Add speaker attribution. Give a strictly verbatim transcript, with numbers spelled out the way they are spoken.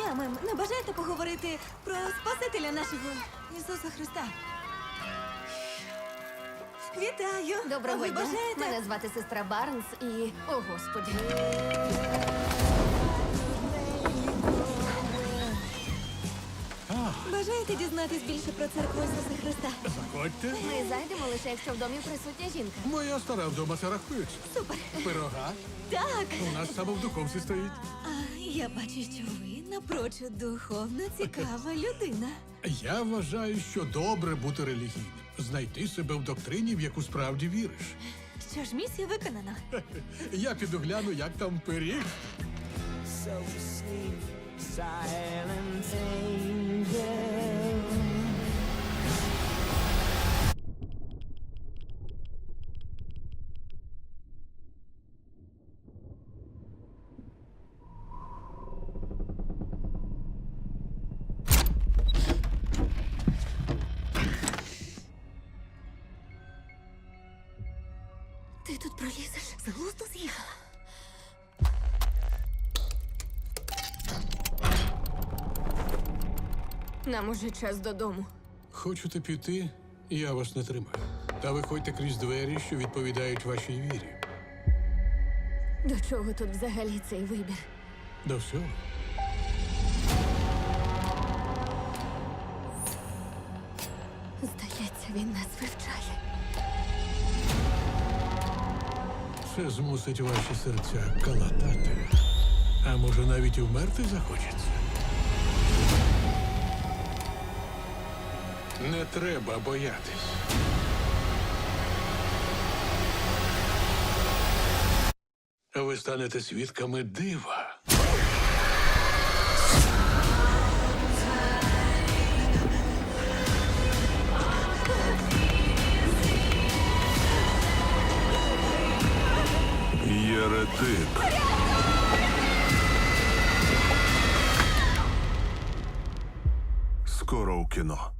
Speaker 1: отцями не бажаєте поговорити про Спасителя нашого Ісуса Христа? Вітаю!
Speaker 2: Доброго
Speaker 1: Ви
Speaker 2: дня.
Speaker 1: бажаєте?
Speaker 2: Мене звати сестра Барнс і... О, Господи.
Speaker 1: Бажаєте дізнатись більше про церкву Ісуса Христа?
Speaker 3: Заходьте.
Speaker 2: Ми зайдемо лише, якщо в домі присутня жінка.
Speaker 3: Моя стара вдома це рахується.
Speaker 1: Супер!
Speaker 3: Пирога
Speaker 1: Так!
Speaker 3: у нас саме в духовці стоїть.
Speaker 1: А я бачу, що ви напрочуд духовно цікава людина.
Speaker 3: Я вважаю, що добре бути релігійним. Знайти себе в доктрині, в яку справді віриш.
Speaker 1: Що ж, місія виконана.
Speaker 3: Я піду гляну, як там пиріг.
Speaker 4: So sleep, silent angel.
Speaker 1: Ти тут пролізеш? З глузду з'їхала.
Speaker 2: Нам уже час додому.
Speaker 3: Хочете піти, я вас не тримаю. Та виходьте крізь двері, що відповідають вашій вірі.
Speaker 2: До чого тут взагалі цей вибір?
Speaker 3: До всього.
Speaker 2: Здається, він нас вивчає.
Speaker 3: Це змусить ваші серця калатати. А може, навіть і вмерти захочеться? Не треба боятись. Ви станете свідками дива.
Speaker 5: Єретик. Скоро у кіно.